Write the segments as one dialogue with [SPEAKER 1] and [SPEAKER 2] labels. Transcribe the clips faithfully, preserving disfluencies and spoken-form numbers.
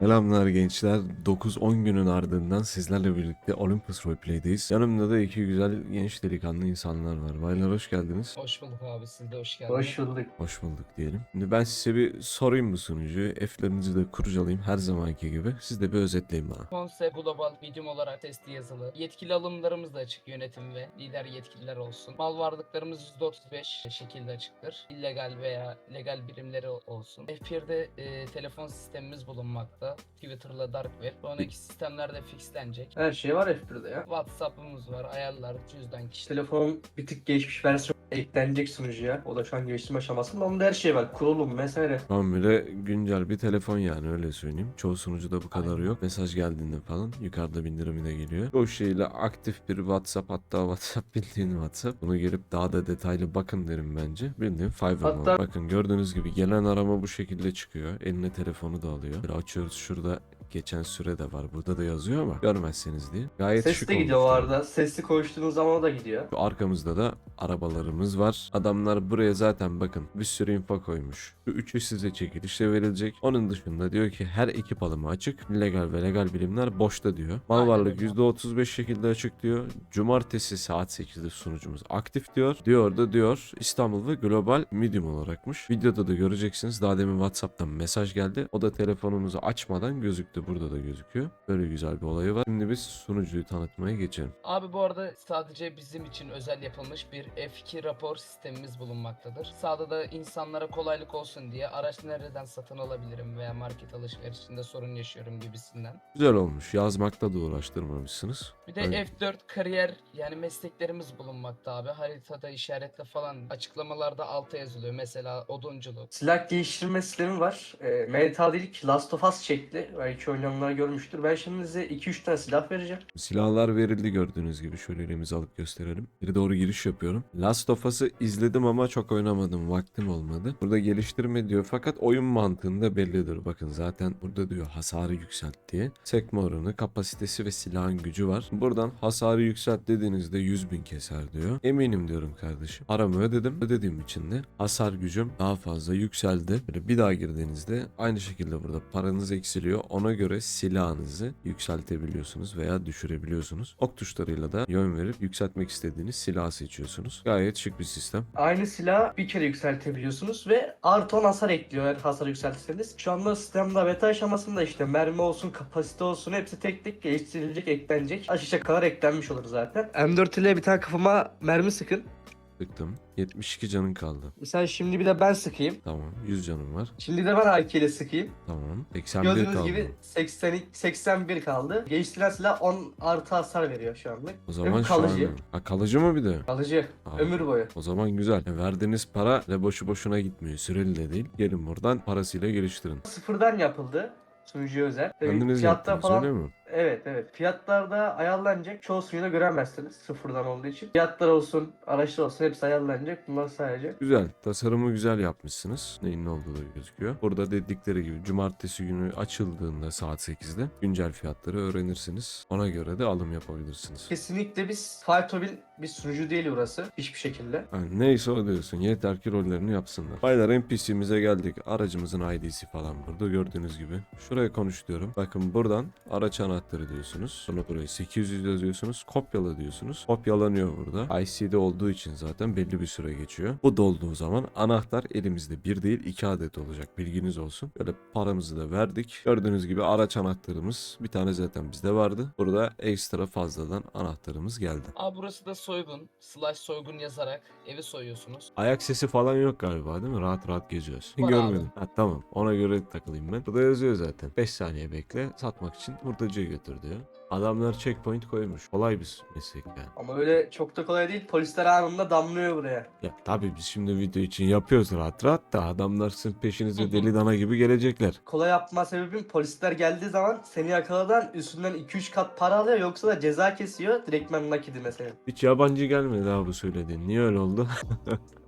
[SPEAKER 1] Selamlar gençler. dokuz on günün ardından sizlerle birlikte Olympus Roleplay'deyiz. Yanımda da iki güzel genç delikanlı insanlar var. Baylar hoş geldiniz.
[SPEAKER 2] Hoş bulduk abi, siz de hoş
[SPEAKER 3] Hoş
[SPEAKER 2] geldiniz.
[SPEAKER 3] bulduk.
[SPEAKER 1] Hoş bulduk diyelim. Şimdi ben size bir sorayım bu sunucuyu. F'lerinizi de kurcalayayım her zamanki gibi. Siz de bir özetleyin bana.
[SPEAKER 2] Konsept global medium olarak testi yazılı. Yetkili alımlarımız da açık, yönetim ve lider yetkililer olsun. Mal varlıklarımız yüzde otuz beş şekilde açıktır. İllegal veya legal birimleri olsun. F bir'de e, telefon sistemimiz bulunmakta. Twitter'la Dark Web. Sonraki sistemlerde fixlenecek.
[SPEAKER 3] Her şey var F bir'de ya.
[SPEAKER 2] WhatsApp'ımız var, ayarlar, cüzdan, kişi.
[SPEAKER 3] Telefonun bir tık geçmiş versiyon eklenecek sunucuya. O da şu an geliştirme aşamasında. Onda her şey var. Kurulum vesaire.
[SPEAKER 1] Tam bile güncel bir telefon yani öyle söyleyeyim. Çoğu sunucuda bu kadar
[SPEAKER 2] Aynen.
[SPEAKER 1] yok. Mesaj geldiğinde falan yukarıda bildirimine geliyor. O şeyle aktif bir WhatsApp, hatta WhatsApp bildiğin WhatsApp. Bunu gelip daha da detaylı bakın derim bence. Bildiğin Fiverr
[SPEAKER 3] Hatta-
[SPEAKER 1] mode. Bakın gördüğünüz gibi gelen arama bu şekilde çıkıyor. Eline telefonu da alıyor. Bir açıyoruz, şurada geçen süre de var. Burada da yazıyor ama görmezseniz diye. Gayet
[SPEAKER 3] Ses
[SPEAKER 1] şık
[SPEAKER 3] de gidiyor o
[SPEAKER 1] olmuş.
[SPEAKER 3] arada. Sesli konuştuğunuz zaman o da gidiyor.
[SPEAKER 1] Şu arkamızda da arabalarımız var. Adamlar buraya zaten bakın bir sürü info koymuş. Şu üçü size çekilişle verilecek. Onun dışında diyor ki her ekip alımı açık. Legal ve legal birimler boşta diyor. Mal
[SPEAKER 2] Aynen
[SPEAKER 1] varlık
[SPEAKER 2] öyle.
[SPEAKER 1] yüzde otuz beş şekilde açık diyor. Cumartesi saat sekizde sunucumuz aktif diyor. Diyor da diyor İstanbul ve global medium olarakmış. Videoda da göreceksiniz. Daha demin WhatsApp'tan mesaj geldi. O da telefonumuzu açmadan gözüktü. Burada da gözüküyor. Böyle güzel bir olayı var. Şimdi biz sunucuyu tanıtmaya geçelim.
[SPEAKER 2] Abi bu arada sadece bizim için özel yapılmış bir F iki rapor sistemimiz bulunmaktadır. Sağda da insanlara kolaylık olsun diye araç nereden satın alabilirim veya market alışverişinde sorun yaşıyorum gibisinden.
[SPEAKER 1] Güzel olmuş. Yazmakta da uğraştırmamışsınız.
[SPEAKER 2] Bir de
[SPEAKER 1] Aynen.
[SPEAKER 2] F dört kariyer yani mesleklerimiz bulunmakta abi. Haritada işaretle falan açıklamalarda alta yazılıyor. Mesela odunculuk.
[SPEAKER 3] Silah geliştirme sistemi var. E, Mental değil ki Last of Us şekli. Belki oynayanlar görmüştür. Ben şimdi size iki üç tane silah vereceğim.
[SPEAKER 1] Silahlar verildi gördüğünüz gibi. Şöyle elimizi alıp gösterelim. Bir doğru giriş yapıyorum. Last of Us'ı izledim ama çok oynamadım. Vaktim olmadı. Burada geliştirme diyor fakat oyun mantığında bellidir. Bakın zaten burada diyor hasarı yükselt diye. Sekme oranı, kapasitesi ve silahın gücü var. Buradan hasarı yükselt dediğinizde yüz bin keser diyor. Eminim diyorum kardeşim. Paramı ödedim. Ödediğim için de hasar gücüm daha fazla yükseldi. Böyle bir daha girdiğinizde aynı şekilde burada paranız eksiliyor. Ona göre silahınızı yükseltebiliyorsunuz veya düşürebiliyorsunuz. Ok tuşlarıyla da yön verip yükseltmek istediğiniz silahı seçiyorsunuz. Gayet şık bir sistem.
[SPEAKER 3] Aynı silahı bir kere yükseltebiliyorsunuz ve artı on hasar ekliyor eğer hasar yükseltirseniz. Şu anda sistemde beta aşamasında işte mermi olsun, kapasite olsun hepsi tek tek geliştirilecek, eklenecek. Aşağı kadar eklenmiş olur zaten. M dört ile bir tane kafama mermi sıkın.
[SPEAKER 1] Sıktım. yetmiş iki canın kaldı.
[SPEAKER 3] Mesela şimdi bir de ben sıkayım.
[SPEAKER 1] Tamam. yüz canım var.
[SPEAKER 3] Şimdi de ben A K ile sıkayım.
[SPEAKER 1] Tamam. seksen bir
[SPEAKER 3] Gördüğünüz
[SPEAKER 1] kaldı.
[SPEAKER 3] gibi seksen, seksen bir kaldı. Geliştirilen silah on artı hasar veriyor şu anlık.
[SPEAKER 1] O zaman
[SPEAKER 3] Ömür
[SPEAKER 1] şu an...
[SPEAKER 3] kalıcı.
[SPEAKER 1] Ha, kalıcı mı bir de?
[SPEAKER 3] Kalıcı.
[SPEAKER 1] Aa.
[SPEAKER 3] Ömür boyu.
[SPEAKER 1] O zaman güzel. E, verdiğiniz para ve boşu boşuna gitmiyor. Süreli de değil. Gelin buradan parasıyla geliştirin.
[SPEAKER 3] Sıfırdan yapıldı. Sunucuya özel. Tabii
[SPEAKER 1] Kendiniz
[SPEAKER 3] fiyatta
[SPEAKER 1] yaptınız öyle mi?
[SPEAKER 3] Evet evet. Fiyatlarda ayarlanacak. Çoğu sunucuda göremezsiniz sıfırdan olduğu için. Fiyatlar olsun, araçlar olsun hepsi ayarlanacak. Bunlar sadece.
[SPEAKER 1] Güzel. Tasarımı güzel yapmışsınız. Neyin ne olduğu da gözüküyor. Burada dedikleri gibi cumartesi günü açıldığında saat sekizde güncel fiyatları öğrenirsiniz. Ona göre de alım yapabilirsiniz.
[SPEAKER 3] Kesinlikle biz Fightmobil bir sunucu değil burası. Hiçbir şekilde.
[SPEAKER 1] Yani neyse o diyorsun. Yeter ki rollerini yapsınlar. Baylar N P C'mize geldik. Aracımızın I D'si falan burada gördüğünüz gibi. Şuraya konuş diyorum. Bakın buradan araç anahtarı diyorsunuz. Sonra buraya sekiz yüz yazıyorsunuz. Kopyala diyorsunuz. Kopyalanıyor burada. I C'de olduğu için zaten belli bir süre geçiyor. Bu dolduğu zaman anahtar elimizde bir değil iki adet olacak. Bilginiz olsun. Böyle paramızı da verdik. Gördüğünüz gibi araç anahtarımız bir tane zaten bizde vardı. Burada ekstra fazladan anahtarımız geldi.
[SPEAKER 2] Abi burası da soygun. Slash soygun yazarak evi soyuyorsunuz.
[SPEAKER 1] Ayak sesi falan yok galiba değil mi? Rahat rahat geziyoruz.
[SPEAKER 2] Var
[SPEAKER 1] Görmedim. Ha, tamam. Ona göre takılayım ben. Burada yazıyor zaten. beş saniye bekle. Satmak için hurdacıya götür diyor. Adamlar checkpoint koymuş. Kolay bir meslek yani.
[SPEAKER 3] Ama öyle çok da kolay değil. Polisler anında damlıyor buraya.
[SPEAKER 1] Ya tabii biz şimdi video için yapıyoruz rahat rahat da adamlar sizin peşinize deli dana gibi gelecekler.
[SPEAKER 3] Kolay yapma sebebim polisler geldiği zaman seni yakaladan üstünden iki üç kat para alıyor yoksa da ceza kesiyor. Direktmen nakidi mesela.
[SPEAKER 1] Hiç yabancı gelmedi daha bu söylediğin. Niye öyle oldu?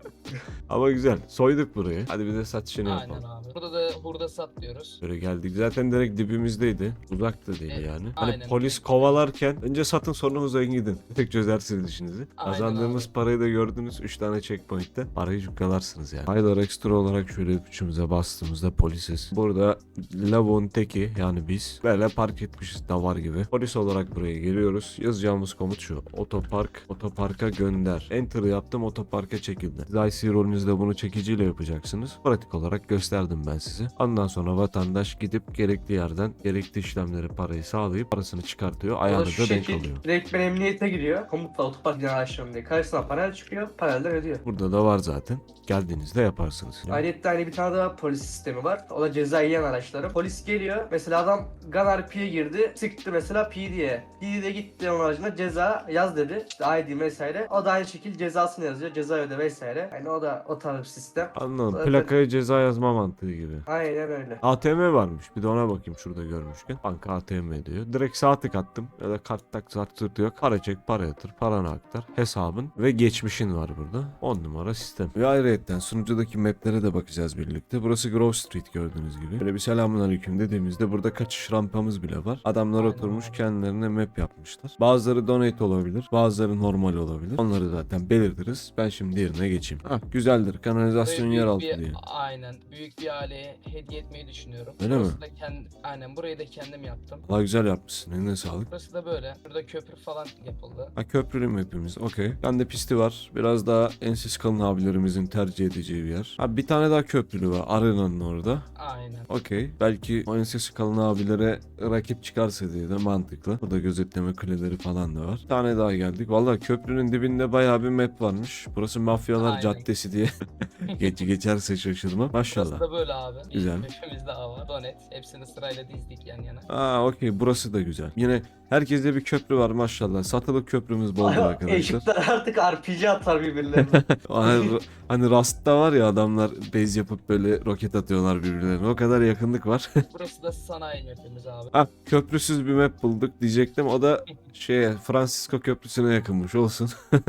[SPEAKER 1] Ama güzel. Soyduk burayı. Hadi bir de satışını
[SPEAKER 2] Aynen
[SPEAKER 1] yapalım.
[SPEAKER 2] abi. Burada da hurda sat diyoruz.
[SPEAKER 1] Böyle geldik. Zaten direkt dibimizdeydi. Uzak da değil
[SPEAKER 2] Evet,
[SPEAKER 1] yani. Hani
[SPEAKER 2] aynen.
[SPEAKER 1] polis kovalarken önce satın sonra uzayın gidin. Tek çözersiniz işinizi.
[SPEAKER 2] Aynen
[SPEAKER 1] Kazandığımız
[SPEAKER 2] abi.
[SPEAKER 1] parayı da gördünüz. üç tane checkpoint'te. Parayı cukkalarsınız yani. Haydar ekstra olarak şöyle üçümüze bastığımızda polisiz. Burada lavuğun teki yani biz böyle park etmişiz davar gibi. Polis olarak buraya geliyoruz. Yazacağımız komut şu. Otopark. Otoparka gönder. Enter yaptım. Otoparka çekildi. Siz I C rolünüzde bunu çekiciyle yapacaksınız. Pratik olarak gösterdim ben size. Ondan sonra vatandaş gidip gerekli yerden gerekli işlemleri parayı sağlayıp parasını çıkartıyor.
[SPEAKER 3] O da
[SPEAKER 1] Ayağını
[SPEAKER 3] şu
[SPEAKER 1] da denk
[SPEAKER 3] şekil
[SPEAKER 1] alıyor.
[SPEAKER 3] direkt ben emniyete giriyor. Komutla otopark genel açıyorum diye. Karşısına panel çıkıyor. Panelden ödüyor.
[SPEAKER 1] Burada da var zaten. Geldiğinizde yaparsınız. Yani
[SPEAKER 3] Ayrıca hani bir tane daha polis sistemi var. O da ceza yiyen araçları. Polis geliyor. Mesela adam Gun R P'ye girdi. Sıktı mesela P D'ye. P D'de gitti onun aracına ceza yaz dedi. İşte I D vesaire. O da aynı şekilde cezasını yazıyor. Ceza öde vesaire. Yani o da o tarz bir sistem.
[SPEAKER 1] anladım.
[SPEAKER 3] Zaten-
[SPEAKER 1] Plakaya ceza yazma mantığı gibi.
[SPEAKER 3] Aynen öyle.
[SPEAKER 1] A T M varmış. Bir de ona bakayım şurada görmüşken. Banka A T M diyor. Direkt sağ tık attım. Ya da kart tak zart zırt yok. Para çek, para yatır, paranı aktar. Hesabın ve geçmişin var burada. on numara sistem. Ve ayrıyetten sunucudaki maplere de bakacağız birlikte. Burası Grove Street gördüğünüz gibi. Böyle bir selamünaleyküm dediğimizde burada kaçış rampamız bile var. Adamlar
[SPEAKER 2] Aynen
[SPEAKER 1] oturmuş
[SPEAKER 2] abi.
[SPEAKER 1] kendilerine map yapmışlar. Bazıları donate olabilir. Bazıları normal olabilir. Onları zaten belirtiriz. Ben şimdi yerine geçeyim. Ah güzeldir. Kanalizasyon
[SPEAKER 2] Burayı
[SPEAKER 1] yer
[SPEAKER 2] büyük
[SPEAKER 1] altı
[SPEAKER 2] bir-
[SPEAKER 1] diye.
[SPEAKER 2] Aynen. Büyük bir aileye hediye etmeyi düşünüyorum.
[SPEAKER 1] Öyle mi?
[SPEAKER 2] Burası da kend- aynen burayı da kendim yaptım.
[SPEAKER 1] Valla güzel yapmışsın. Eline sağlık.
[SPEAKER 2] Burası da böyle. Burada köprü falan yapıldı.
[SPEAKER 1] Ha köprülü mü hepimiz? Okey. Bende pisti var. Biraz daha ensiz kalın abilerimizin tercih edeceği bir yer. Ha bir tane daha köprülü var. Arena'nın orada.
[SPEAKER 2] Aynen.
[SPEAKER 1] Okey. Belki o ensiz kalın abilere rakip çıkarsa diye de mantıklı. Burada gözetleme kuleleri falan da var. Bir tane daha geldik. Valla köprünün dibinde bayağı bir map varmış. Burası Mafyalar
[SPEAKER 2] Aynen.
[SPEAKER 1] Caddesi diye. Geç geçerse şaşırmam. Maşallah.
[SPEAKER 2] Burası da böyle abi.
[SPEAKER 1] Güzel.
[SPEAKER 2] Bir mapimiz daha var. Donet. Hepsini sırayla dizdik yan yana.
[SPEAKER 1] Aa okey. Burası da güzel. Yine herkeste bir köprü var maşallah. Satılık köprümüz boldur arkadaşlar.
[SPEAKER 3] Eşitler artık R P G atar birbirlerine.
[SPEAKER 1] Hani, hani Rust'ta var ya adamlar base yapıp böyle roket atıyorlar birbirlerine. O kadar yakınlık var.
[SPEAKER 2] Burası da sanayi mapimiz abi.
[SPEAKER 1] Ha köprüsüz bir map bulduk diyecektim. O da şeye Francisco Köprüsü'ne yakınmış olsun.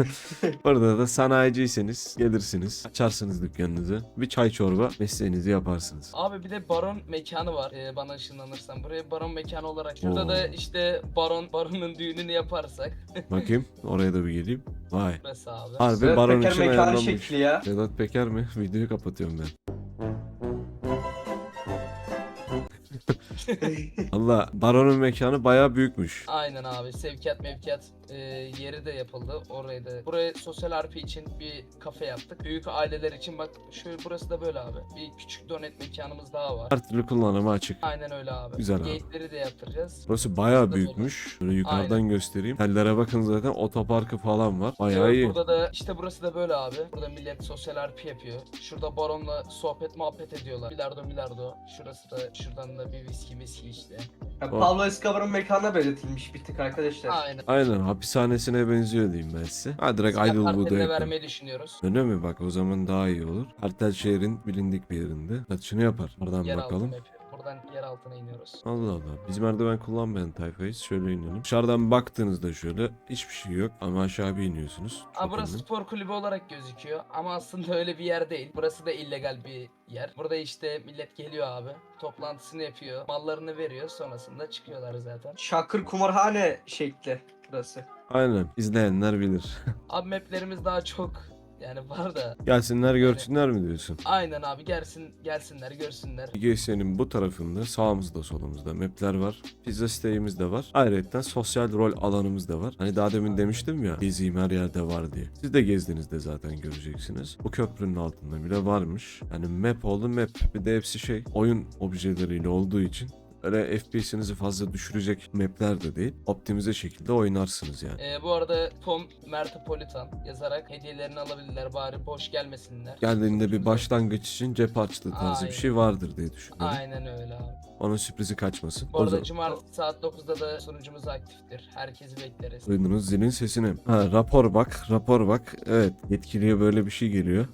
[SPEAKER 1] Orada da sanayiciyseniz gelirsiniz. Açarsınız dükkanınızı. Bir çay çorba mesleğinizi yaparsınız.
[SPEAKER 2] Abi bir de baron mekanı var. Ee, bana ışınlanırsan. Buraya baron mekanı olarak. Şurada
[SPEAKER 1] Oo.
[SPEAKER 2] da işte baron baronun düğününü yaparsak.
[SPEAKER 1] Bakayım oraya da bir geleyim. Vay.
[SPEAKER 2] Burası abi.
[SPEAKER 1] Harbi
[SPEAKER 3] Sedat
[SPEAKER 1] baron
[SPEAKER 3] Peker
[SPEAKER 1] için
[SPEAKER 3] mekanı
[SPEAKER 1] ayarlanmış.
[SPEAKER 3] şekli ya.
[SPEAKER 1] Sedat Peker mi? Videoyu kapatıyorum ben. Allah baronun mekanı bayağı büyükmüş.
[SPEAKER 2] Aynen abi. Sevkiyat mevkiyat e, yeri de yapıldı. Orayı da. Buraya sosyal R P için bir kafe yaptık. Büyük aileler için bak şöyle burası da böyle abi. Bir küçük donet mekanımız daha var.
[SPEAKER 1] Her türlü kullanıma açık.
[SPEAKER 2] Aynen öyle abi.
[SPEAKER 1] Güzel abi.
[SPEAKER 2] Gate'leri de yaptıracağız.
[SPEAKER 1] Burası bayağı
[SPEAKER 2] Burası da
[SPEAKER 1] büyükmüş. Şöyle yukarıdan
[SPEAKER 2] Aynen.
[SPEAKER 1] göstereyim. Tellere bakın zaten otoparkı falan var. Bayağı
[SPEAKER 2] Evet,
[SPEAKER 1] iyi.
[SPEAKER 2] burada da işte burası da böyle abi. Burada millet sosyal R P yapıyor. Şurada baronla sohbet muhabbet ediyorlar. Bilardo bilardo. Şurası da şuradan da bir viski viski işte.
[SPEAKER 3] Ya Pablo Escobar'ın mekanına benzetilmiş bir tık arkadaşlar.
[SPEAKER 2] Aynen.
[SPEAKER 1] Aynen hapishanesine benziyor diyeyim ben size. Ha direkt
[SPEAKER 2] Silah
[SPEAKER 1] Idlewood'a
[SPEAKER 2] karteline
[SPEAKER 1] yakın.
[SPEAKER 2] vermeyi düşünüyoruz.
[SPEAKER 1] Öyle mi? Bak o zaman daha iyi olur. Kartel şehrin bilindik bir yerinde. Satışını yapar. Oradan
[SPEAKER 2] Yer
[SPEAKER 1] bakalım.
[SPEAKER 2] altına yapıyor. Buradan yer altına iniyoruz.
[SPEAKER 1] Allah Allah. Biz merdiven kullanmayan tayfayız. Şöyle inelim. Dışarıdan baktığınızda şöyle hiçbir şey yok. Ama aşağı bir iniyorsunuz.
[SPEAKER 2] Aa,
[SPEAKER 1] Çok
[SPEAKER 2] burası
[SPEAKER 1] iyi.
[SPEAKER 2] spor kulübü olarak gözüküyor ama aslında öyle bir yer değil. Burası da illegal bir yer. Burada işte millet geliyor abi. Toplantısını yapıyor. Mallarını veriyor. Sonrasında çıkıyorlar zaten.
[SPEAKER 3] Şakır kumarhane şekli burası.
[SPEAKER 1] Aynen. İzleyenler bilir.
[SPEAKER 2] Abi maplerimiz daha çok yani var da.
[SPEAKER 1] Gelsinler görsünler mi diyorsun?
[SPEAKER 2] Aynen abi gelsin gelsinler görsünler.
[SPEAKER 1] G S'nin bu tarafında sağımızda solumuzda mapler var. Pizza siteyimiz de var. Ayrıca sosyal rol alanımız da var. Hani daha demin demiştim ya gezeyim her yerde var diye. Siz de gezdiğinizde zaten göreceksiniz. Bu köprünün altında bile varmış. Yani map oldu map. Bir de hepsi şey oyun objeleriyle olduğu için öyle F P S'inizi fazla düşürecek mapler de değil. Optimize şekilde oynarsınız yani.
[SPEAKER 2] Ee, bu arada Tom Mertopolitan yazarak hediyelerini alabilirler. Bari boş gelmesinler.
[SPEAKER 1] Geldiğinde bir başlangıç için cep harçlığı tarzı bir
[SPEAKER 2] Aynen.
[SPEAKER 1] şey vardır diye düşünüyorum.
[SPEAKER 2] Aynen öyle abi.
[SPEAKER 1] Onun sürprizi kaçmasın.
[SPEAKER 2] Bu
[SPEAKER 1] O
[SPEAKER 2] arada
[SPEAKER 1] zaman
[SPEAKER 2] cumartesi saat dokuzda da sunucumuz aktiftir. Herkesi bekleriz.
[SPEAKER 1] duydunuz zilin sesini. Ha rapor bak, rapor bak. Evet, yetkiliye böyle bir şey geliyor.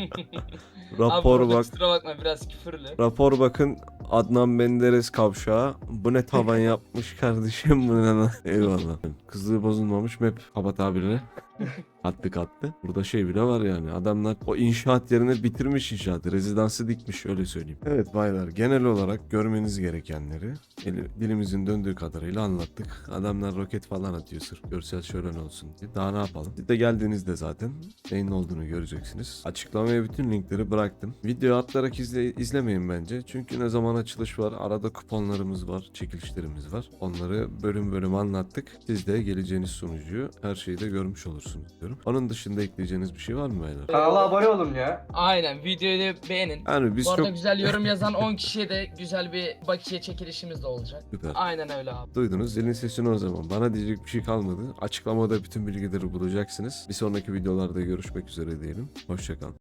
[SPEAKER 2] Abi
[SPEAKER 1] Rapor
[SPEAKER 2] burada
[SPEAKER 1] bak.
[SPEAKER 2] kusura bakma biraz küfürlü.
[SPEAKER 1] Rapor bakın Adnan Menderes kavşağı. Bu ne tavan yapmış kardeşim bu ne lan? Eyvallah. Kızlığı bozulmamış map kapat abileri. Katlı katlı. Burada şey bile var yani. Adamlar o inşaat yerine bitirmiş inşaatı. Rezidansı dikmiş öyle söyleyeyim. Evet baylar, genel olarak görmeniz gerekenleri eli- dilimizin döndüğü kadarıyla anlattık. Adamlar roket falan atıyor sırf görsel şölen olsun diye. Daha ne yapalım? Siz de geldiğinizde zaten neyin olduğunu göreceksiniz. Açıklamaya bütün linkleri bıraktım. Video atlarak izle, izlemeyin bence. Çünkü ne zaman açılış var, arada kuponlarımız var, çekilişlerimiz var. Onları bölüm bölüm anlattık. Siz de geleceğiniz sunucuyu her şeyi de görmüş olursunuz diyorum. Onun dışında ekleyeceğiniz bir şey var mı beyler?
[SPEAKER 3] Kanala abone olun ya.
[SPEAKER 2] Aynen, videoyu da beğenin.
[SPEAKER 1] Yani biz
[SPEAKER 2] Bu arada
[SPEAKER 1] çok
[SPEAKER 2] güzel yorum yazan on kişiye de güzel bir bakiye çekilişimiz de olacak.
[SPEAKER 1] süper.
[SPEAKER 2] Aynen öyle abi.
[SPEAKER 1] Duydunuz zilin sesini o zaman. Bana diyecek bir şey kalmadı. Açıklamada bütün bilgileri bulacaksınız. Bir sonraki videolarda görüşmek üzere diyelim. Hoşçakalın.